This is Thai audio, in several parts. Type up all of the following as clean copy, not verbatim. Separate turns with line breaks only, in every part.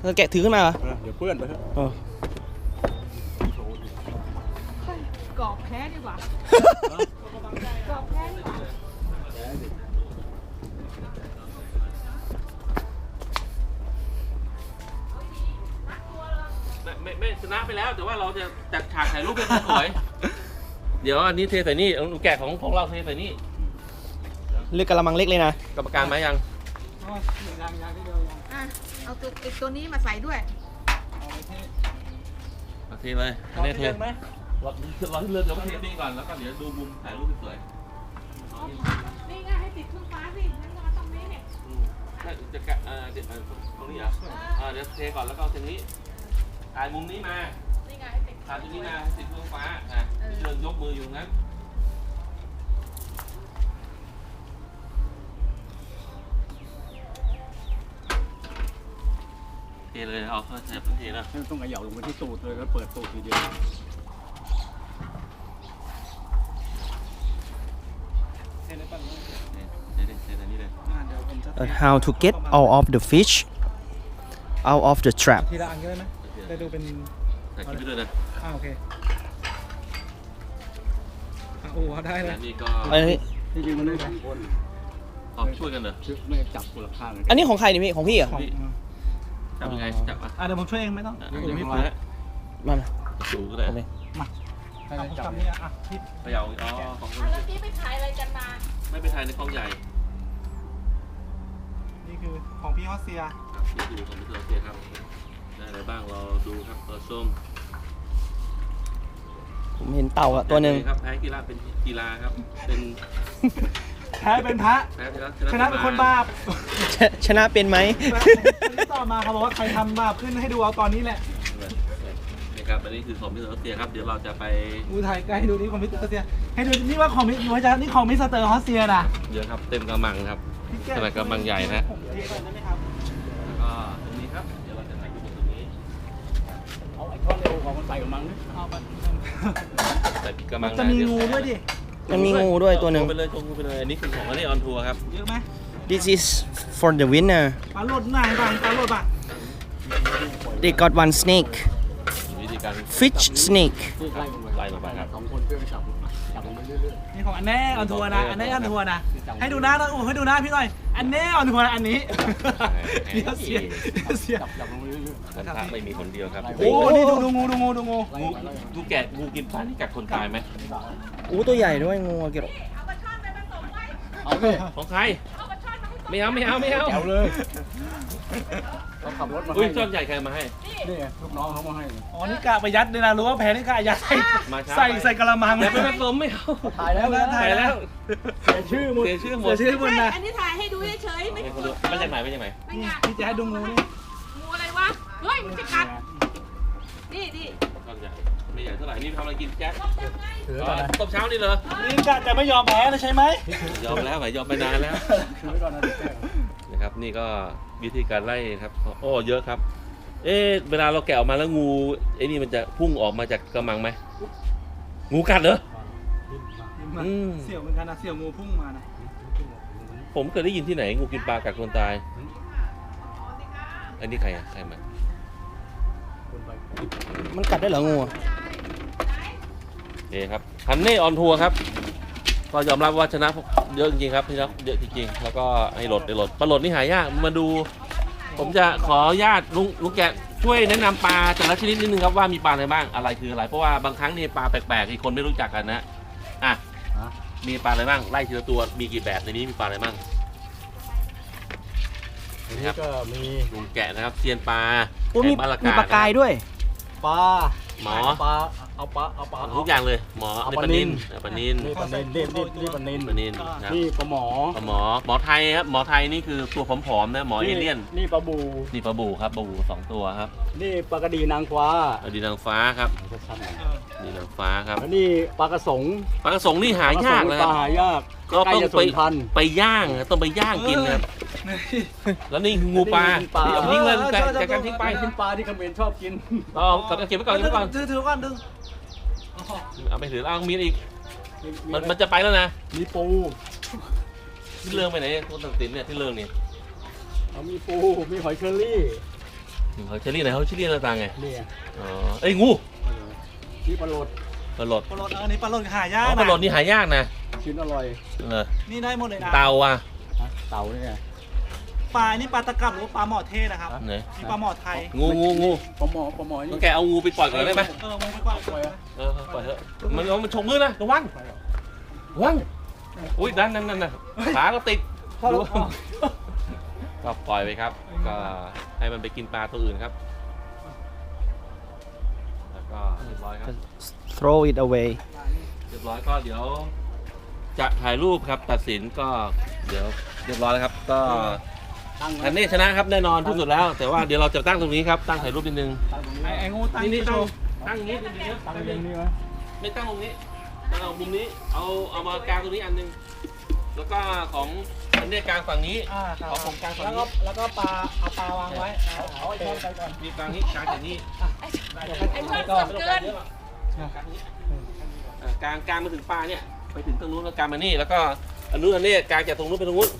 แกะถือขึ้นมาเหรอ
เดี๋ยวเพื่อนไปเถอะ
กรอบแพ้ดีกว่ากรอบแพ้ดีกว่า
ไม่ชนะไปแล้วแต่ว่าเราจะจัดฉากถ่ายรูปให้สวยเดี๋ยวอันนี้เทใส่นี่แกะของเราเทใส่นี่
เลือกกระมังเล็กเลยนะ
กรรมการมายัง
อ่ะเอาตัวนี้มาใส่ด้วย
เทเลยอันนี้เทรอที่เลือกเดี๋ยวเทนี่ก่อนแล้วก็เดี๋ยวดูมุมถ่ายรูปสวย
นี่ไงให้ติดเครื่องฟ้าสิงั้นก็มาตรงนี้เนี่ย
จะแกะเดี๋ยวตรงนี้เหรอเดี๋ยวเทก่อนแล้วก็เอาตรงนี้ถ่ายมุมนี้มา
นี่ไงให้ติด
ถ่ายตรงนี้มาติดเครื่องฟ้าเชิญยกมืออยู่นั้นเทเลยเอาเข้าเสียบเทนะ
ต้องขย่าลงไปที่ตูดเลยแล้วเปิดตูดทีเดียว
How to get all of the fish out of the trap
ทีละอันก็ได้ไหมจะดูเป็น
ถ่ายคลิปไปด้วยนะ
โอเคโอ้ได้เลย
แล้วนี่ก็
อันนี้
ที่จริงมันได้สองคน
ช่วยกันเหรอ
ไม่จับคนละข้างเลย
อันนี้ของใครนี่พี่ของพี่เหรอ
จับยังไงจับอ่ะ
เดี๋ยวผมช่วยเองไม่ต้อง
เดี๋ยวพี่ฟ้า
มา
สูงก็ได้
โอเค
จับนี่อ่ะพี่
พะเยาอ๋อของ
เมื่อกี้ไปถ่ายอะไรกันมา
ไม่ไปถ่ายในกล้องใหญ่
นี่คือของพี่ฮอสเซีย
ครับนี่คือของพิเศษเซียครับได้อะไรบ้างเราดูครับตัวส้ม
ผมเห็นเต่าอะตัวหนึ่ง
ครับแพ้กีฬาเป็นกีฬาครับเป็น
แพ้เป็นพระ
แพ้ช
ชนะเป็นคนบาป
ชนะเป็นไหม
ต่อมาเขาบอกว่าใครทำบาปขึ้นให้ดูเอาตอนนี้แหละ
นี่ครับอันนี้คือของพิเศษเซียครับเดี๋ยวเราจะไป
ดูถ่ายใกล้ให้ดูนี่ของมิสเตอร์ฮอสเซียให้ดูนี่ว่าของมิสเตอร์นี่ของมิสเตอร์ฮอสเซียนะ
เยอะครับเต็มกระมังครับขนาดกระมังใหญ่นะ
ผมเทก่อนได้ไหมครับ
แล้วก็ตรงนี้ครับเดี๋ยวเราจะถ่ายรูปตรงนี้
เอาไอ้ท่อนเร็วของมันใส่กับมังนี่เอาไป
ใส่กระมัง
จะมีงูด้วยดิ
มันมีงูด้วยตัวหนึ่ง
ไปเลยไปเลยอันนี้คือของอันนี้ออนทัวร์ครับ
เยอะไหม
This is for the winner
ปลาโหลดหน่อยบ้างปลาโหลดบ้าง
They got one snake
วิธีการ
fish snake
ไล่ลงไปครับ
นี่ของอันแน่ออนทัวร์นะอันแน่ออนทัวร์นะให้ดูหน้านะโอ้ให้ดูหน้าพี่หน่อยอันแน่ออนทัวร์นะอันนี้เดี๋ยวเสียเสีย
ท่านพระไม่มีคนเดียวครับ
โอ้นี่ดูงูดูงูดูงู
งูแกะงูกินปลาที่กัดคนตายไหม
อู้ตัวใหญ่ด้วยงูอะเกี่ยว
เอาปลาช่อนไปผสมไว้
เอาเลย
ของใคร
เอาปลาช่อนมาให้
ไม่เอาไม่เอาไม่เอา
เอาเลยเราขับรถมา
อุ้ยช่อนใหญ่ใครมาให้
นี่ลูกน้องเขามาให้อ๋อนี่กะประหยัดเลยนะรู้ว่าแพ้นี่กะยัดใส่
มาช้า
ใส่กระมัง
อย่าไปผสมไม่เอา
ถ่ายแล้วนะ
ถ่ายแล้ว
เสียชื่อหมด
เสียชื่อหมด
เสียชื่อหมดนะ
อันนี้ถ่ายให้ดูเฉยๆไม่
มาจากไหนมาจากไหน
ไม่งาน
พี่จะให้ดูงูนี่
งูอะไรวะ เฮ้ย มันจะกัด นี่นี่
ช่อนใหญ่ไม่ใหญ่เท่าไหร่นี่ทำอะไรกินแจ๊ค
ต้องยังไง
ถือ
อ๋อต้มเช้านี่เหรอ
นี่กะจะไม่ยอมแพ้เลยใช่ไหม
ยอมแล้วไหมยอมไปนานแล้ว
ถือไว้ก่อนนะ
นะครับนี่ก็วิธีการไล่ครับโอ้เยอะครับ เอ๊ะเวลาเราแกะออกมาแล้วงูไอ้นี่มันจะพุ่งออกมาจากกระมังไหมงูกัดเหรอ
เสี่ยวเหมือนกันนะเสี่ยวงูพุ่งมานะ
ผมเคยได้ยินที่ไหนงูกินปลากัดคนตาย อันนี้ใครอ่ะใครมา
มันกัดได้เหรองูอะ
โอเคครับฮันเน่ออนทัวร์ครับก็ยอมรับว่าชนะเยอะจริงๆครับชนะเยอะจริงๆแล้วก็ให้หลดปลาหลดนี่หายากมาดู ผมจะขออนุญาตลุงแกะช่วยแนะนำปลาแต่ละชนิดนิดนึงครับว่ามีปลาอะไรบ้างอะไรคืออะไรเพราะว่าบางครั้งนี่ปลาแปลกๆที่คนไม่รู้จักกันนะอ่ะมีปลาอะไรบ้างไล่ทีละตัวมีกี่แบบในนี้มีปลาอะไรบ้าง
อันนี้ก็มี
ลุงแกะนะครับเซียนปลา
อู้มี
แกะบ้นละ
มีปลากายด้วย
ปลา
หมอ
ปลาเอาปลา
ทุกอย่างเลยหมอ
เอา
ใน
ป
ป
ลา
ลา
นิ
นิ
ล
นปลานิน
นี่ปลานิลนี่ปลานิล
ปลานินครับ
นี่ปลาหมอ
หมอไทยครับหมอไทยนี่คือตัวผอมๆนะหมอเอเลี่ยน
นี่ปลาบู
นี่ปลาบูครับปลาบู2ตัวครับ
นี่ปลากระดีนางฟ้า
อดีนางฟ้าครับดีนางฟ้าครับ
แล้วนี่ปลากระสง
ปลากระสงนี่หายากเลย
ป
ค
ลา
รับ
หายาก
ก็ต้อง
ใล้จะ
ไป
สูญพันธุ์
ไปย่างต้องไปย่างกินนะครับแล้วนี่คืองูปลา
ปลา
เอาทิ้งเลยจากการทิ้งไป
เป็นปลาที่เขมรชอบกิน
เอาเก็บไว้ก่อนเก็บไว้ก่อน
ถือก่อนดึง
เอาไปถือแล้วมีอีกมันจะไปแล้วนะ
มีปู
ที่เรื่องไปไหนคนตัดสินเนี่ยที่เรื่องนี่
มีปูมีหอยเชอรี่
เขาเชอรี่ไหนเขาเชอรี่หน้าตาไง
เนี่ย
อ๋อเอ้ยงู
นี่ปลาโหลด
ปลาหลด
ปลาโหลดอันนี้ปลาโหลดหายา
อ๋
ก
อปลาหลดนี่หายากนะ
ชิ้นอร่อย
นี่ได้หมดเลยนะ
เตาอ่ะ
เต่าเนี่ย
ปลานี่ปลาตะกับหรือว่าปลาหมอเทศนะครับ
ไหน
มีปลาหมอไทย
งู
ปลาหมอ
ต้อ
นี่
งแกเอางูไปปล่อยก่อนได้ไหม
มึงไปกว่าเลย
ปล่อยเถอะมันฉกมือนะระวังอุ้ยนั่นขาก็ติดดูก็ปล่อยไปครับ ก็ให้มันไปกินปลาตัวอื่นครับแล้วก็เรียบร้อยครับ
throw it away
เรียบร้อยก็เดี๋ยวจะถ่ายรูปครับตัดสินก็เดี๋ยวเรียบร้อยแล้วครับ ก็อันนี้ชนะครับแน่นอนที่สุดแล้ว แต่ว่าเดี๋ยวเราจะตั้งตรงนี้ครับตั้งถ่ายรูปนิดนึง
ไอ้งูตั้ง
นี่
โช
ตั้ง
ว์
ตั้งอย่างนี้เดี๋ยว
ตั้
ตั้
ง
ง
เรียง
นี้
นี่วะ
ไม่ตั้งตรงนี้ตั้งเอามุมนี้เอามากางตรงนี้อันนึงแล้วก็ของอันนี้กางฝั่งนี้
ครับ
เอาของกลางฝั่ง
แล้ว
นี้
ก็ปลาเอาปลาวางไว้เอาไอ้ช้อนไปก่อน
มีกางนี้กางจากนี้
ไอ้เพื่อนสดเกิน
กางมาถึงปลาเนี่ยไปถึงตรงนู้นแล้วกางมานี่แล้วก็อันนู้นอันนี้กางจากตรงนู้นไปตรงนู้น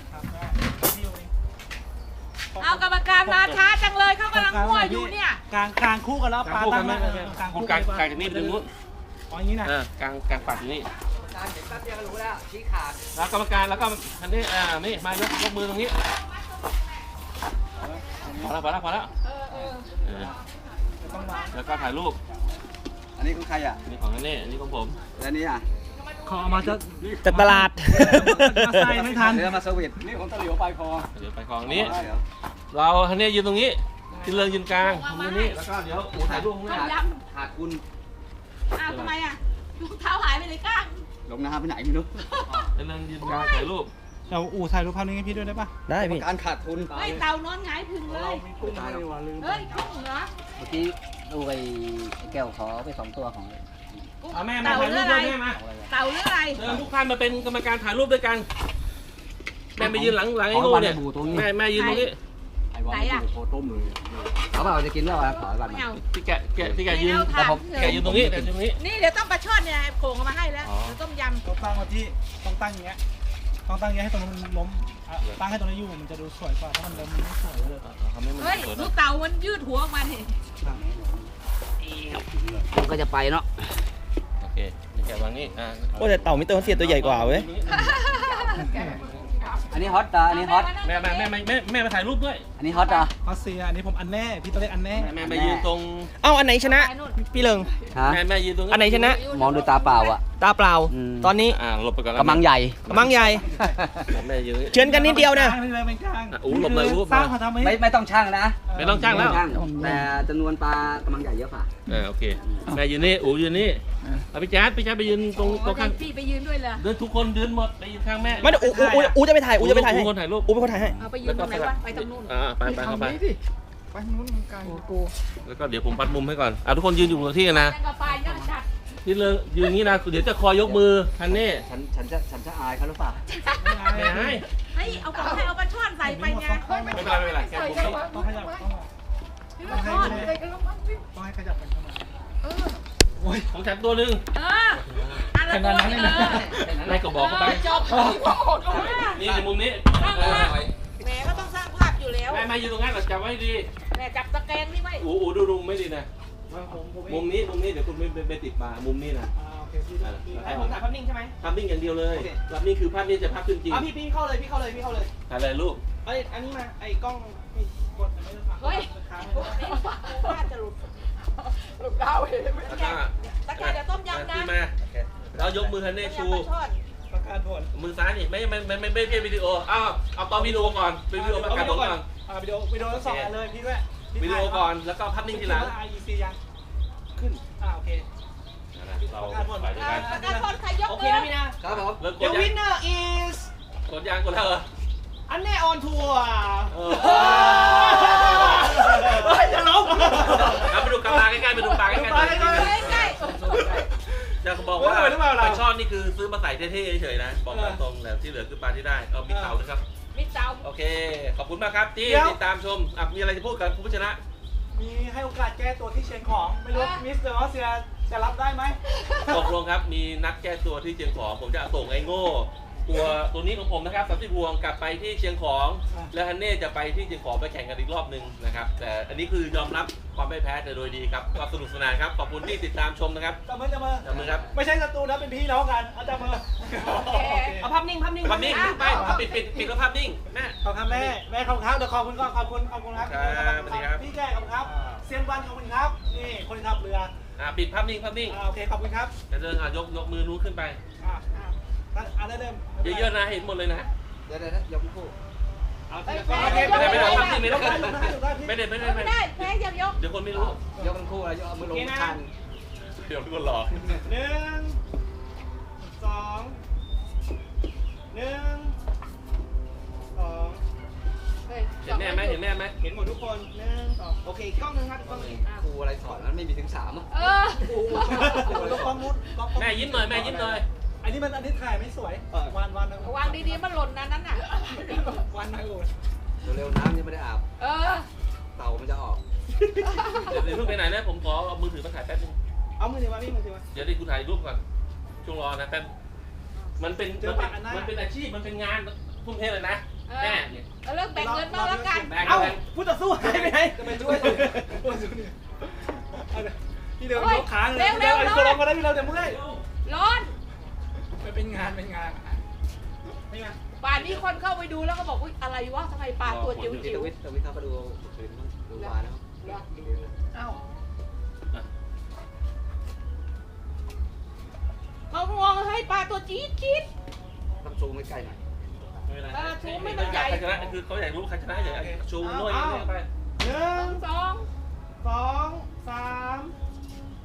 เอากรรมการมาช้าจังเลยเขากำลังมั่วอยู่เนี่ย
กลางคู่กันแล้วปลาตั้ง
ไม่
กลาง
ผม
คู่
กางจากนี้ไปตรงนู้น
อ๋ออย่างนี้นะ
กางฝั่งนี้แล้วกรรมการแล้วก็อันนี้นี่มายกมือตรงนี้พอแล้วแล้วก็ถ่ายรูป
อันนี้ของใครอ่ะ
นี่ของอันนี้อันนี้ของผม
และนี่อ่ะ
ขอมาจะ
จากตลาด
มาใส่ไม่ทัน
เรือมาสวิตนี่ของตะหลิวไปพอ
เดี๋ยวไปของนี้ เราอันนี้ยืนตรงนี้ที่เรืองยืนกลางผมยืนนี่แล้วก็เดี๋ยวอูถ่ายรูปข้างห
ต้
น้าม
ย
หาดคุณ
ำอ้าวทำไมอ่ะดูเท้าหายไปเลยก้าง
ลงน้ำไปไหนไม่รู้
เรืองยืนกลางถ่ายรูป
เราถ่ายรูปภาพนี้ให้พี่ด้วยได้ปะ
ได้พี่
การขาดทุน
เฮ้ยเต่านอนหงายพึ่งเลย
กุ้งไม่ว่าลืม
เฮ้ยกุ้งเหรอ
เมื่อกี้ดูไอ้แก้วขอไป2 ตัวของ
กุ้ง
เอาแม่มา
เต่า
ถ่าย
หรื
รู
อ
ป
อะไร
ด้วยแม่มา
เต่าหรืออะไร
เชิญทุกท่านมาเป็นกรรมการถ่ายรูปด้วยกันแม่ไปยืนหลังไอ้งูเนี่ยแม่ยืนตรงนี้
ไอ้บอลดูโคต้มเลย
เขาบอกจะกินแล้วขอบัตร
ไม่
มา
เอา
ที่แกยืน
ไม่เอาถาม
แกยืนตรงนี้แกยืนตรงนี้
นี่เดี๋ยวต้องปลาช่อนเนี่ยโขงเอามาให้แล้ว
อ๋อ
เดี๋ยวต้มยำ
ต้องตั้งมาที่ต้องตั้งอย่างเงี้ยต้องตั้งอย่างเงี้ยให้ตรงนั้นมันล้มตั้งให้ตรงนี้อยู่มันจะดูสวยกว่าถ้ามันล้มมันไม่สวยเลย
ทำให้มัน
เฮ้ย
สวย
ดู
นะ
เต่ามันยืดหัวออกมานี่
มันก็จะไปเนาะ
โอเคแกวางนี่
โอ้แต่เต่ามิสเตอร์รัสเซียตัวใหญ่กว่าเว้ย
อันนี้ฮอตอันนี้ฮอต
แม่มาถ่ายรูปด้วย
อันนี้ฮอตอ่ะ
รัสเซียอันนี้ผมอันแน่พี่ต้องเรียกอันแน่
แม่มายืนตรง
เอ้าอันไหนชนะ
ไปนู่น
พี่เลิง
ฮะ
แม่ยืนตรง
อันไหนชนะ
มองด้วยตาเปล่าอ่ะ
ตาเปล่า
อืม
ตอนนี้
หลบไปก่อน
กำลังใหญ่
กำลังใหญ่
แม่ยืน
เชิญกันนิดเดียวนะ
ไม่เป็นกลาง
อู้หลบเลยอู้
สร้างเขาทำ
ไม่ต้องช่างนะ
ไม่ต้องจ้างแล้ว
ไม่ต้องช่างแต่จำนวนปลากำลังใหญ่เยอะกว่า
โอเคแม่ยืนนี่อูยืนนี่พี่แจ๊ดไปยืนตรง
โอ้
ข้าง
พี่ไปยืนด้วยเลย
เดินทุกคนยืนหมดไปยืนข้างแม่
ไม่เดี๋ยวอูจะไปถ่ายอูจะไปถ่ายให้
คนถ่ายรูป
อูเป็นคนถ่ายให้
เอาไปยืนตรงไหนวะไปตรงนู้น
ไปเข้าไป
ไปทางนู้นมันไกลกู
แล้วก็เดี๋ยวผมปัดมุมให้ก่อนทุกคนยืนอยู่กับที่นะ
แตงกวาปลาย่างจัด
ที่เลยยืนอย่างนี้นะเดี๋ยวจะคอยยกมือทันนี่
ฉันจะอายเขาหรือเปล่า
ไม่ให้
เฮ้ยเอาของให้เอาปลาช่อนใส่ไปไง
ไม่เป็นไรแกผมนี่
ต้องขยับต้อง
พี่ปลาช่อน
ให้ขยับกันเข้ามา
ของฉันตัวหนึ่ง
อันละตัวนี่
อะไรก็บอกเข้าไป
จบ
นี่ในมุมนี้
แหมก็ต้องสร้างภาพอยู่แล้ว
แม่ยืนตรงนั้นจับไว้ดี
แหมจับตะแกรงนี่ไว้
อูดูไม่ดีนะมุมนี้เดี๋ยวคุณไปติดมามุมนี้นะ
โอเคพี่
ให้ผมถ่ายภาพนิ่งใช่ไหม
ภาพนิ่งอย่างเดียวเลยภาพนิ่งคือภาพนี้จะภาพขึ้นจริง
พี่เข้าเลยพี่เข้าเลยพี่เข้าเลย
ถ่ายอะไรรูป
ไอ้อันนี้มาไอ้กล้องกดไม่ได้
เฮ้ยน่าจะหลุด
แล้วก็
ตะแกรงเดี๋ยวต้มยำนะ
ขึ้นมาแล้วยกมือทันเน่ชู
ต้มยำปลาช่อน
ประกาศผล
มือซ้ายนี่ไม่ใช่วิดีโอเอาตอนวิดีโอก่อนเป็นวิดีโอประกาศผลก่อน
วิดีโอทั้งสองอันเลยพี่ด้วย
วิดีโอก่อนแล้วก็ภาพนิ่งทีหลัง
IEC ยังขึ้นโอเค
เราไปด้วยกัน
ประกาศผลใครยก
โอเค
มือ
นะพี่นะครับ
ผม
เริ่มก
The
ดยัง
winner is
กดแล้วเหรอ
อันแน่ออนทัวร์
จะล้ม
ไปดูปลาใกล้ๆไปดูปลาใกล้
ใกล้
ๆจะบอกว่าปลาช่อนนี่คือซื้อมาใส่เท่ๆเฉยๆนะบอกตรงแล้วที่เหลือคือปลาที่ได้เอามีเตานะครับ
ๆมิดเตา
โอเค ขอบคุณมากครับที่ติดตามชมมีอะไรจะพูดกับผู้ชนะ
มีให้โอกาสแก้ตัวที่เชียงของไม่รู้มิสเตอร์รัสเซียจะรับได้ไหม
ตกลงครับมีนัดแก้ตัวที่เชียงของผมจะส่งไอ้โง่อูตัวนี้ของผมนะครับ30พวงกลับไปที่เชียงของ แล้วฮันเน่จะไปที่เชียงของไปแข่งกันอีกรอบหนึ่งนะครับแต่อันนี้คือยอมรับความไม่แพ้แต่โดยดีครับก็สนุกสนานครับขอบคุณที่ติดตามชมนะครับ
จับมือ
จับมือครับ
ไม่ใช่ศัตรูนะเป็นพี่น้องกันเอาจับมือ
เอาภาพนิ่ง
ภาพนิ่งไปปิดแล้วภาพนิ่งแม่
ขอบคุณแม่ขอบคุณครับเดี๋ยวขอบคุณก่อนขอบคุณครับ
ครับสวัสดีครับ
พี่แกขอบคุณครับเซียนวันขอบคุณครับนี่คนขับเรือ
ปิดภาพนิ่ง
โอเคขอบคุณครับ
จะเดินยกมือนู้นขึ้นไป
ได้เริ่ม
เยอะๆนะเห็นหมดเลยนะ
เดี๋ยวยกคู่
เอา
เอ้ย
ไม่ได้ภาพนิ่งไม่ได้
ไม่ได้
ไม่ได้
ไม่ได้แพ้ยังยก
เดี๋ยวคนไม่รู้
ยกทั้งคู่แล้วยกเอามือลงคัน
เดี๋ยวคนหลอก
1 2 1 2
เห็นแม่ไหมเห็นแม่ไหม
เห็นหมดทุกคน1 2โอเคอีกกล้องนึงครับอีกกล้องนึง
ครูอะไรสอนมันไม่มีถึง3อ่ะ
เออ
กล้องนู้นกล้อง
แม่ยิ้มหน่อยแม่ยิ้มหน่อย
อันนี้ถ่ายไม่สวยวันนะ
วางดีๆมันหล่นนะนั้นน่ะ
วันนะโอ้
เร็วๆน้ำยังไม่ได้อาบ
เออ
เต่ามันจะออก
เดี๋ยวเพิ่งไปไหนนะผมขอเอามือถือมาถ่ายแป๊บนึง
เอามือถือมาพี่มือถือมา
เดี๋ยวดิกูถ่ายรูปก่อนช่วงรอนะแป๊บมันเป็นอาชีพมันเป็นงานทุ่มเทเลยนะแม่เนี่ย
เลิกแบ่งเงินมาแล้วกัน
เอ้าผู้ต่อสู้หายไปไหนจะไปช่วยพี่เดินยกขาเลยเร็วๆคนลงมาได้พี่เราจะเมื่อย
ร้อน
เป็นงานไม่มา
ป่านนี้คนเข้าไปดูแล้วก็บอกอุ๊ยอะไรวะทำไมปลาตัวจิ๋ว
ที่
จิ๋
ต
ว
วิทเข้ามาดูคืนดูวาแล้ว
เอ้าเขามองให้ปลาตัวจี๊ดจี๊ด
ต้องซูมใกล้ๆหน่อย
ใครชนะคือเขาอยากรู้ใครชนะอย่างชูน้อยไป
1
2
2 3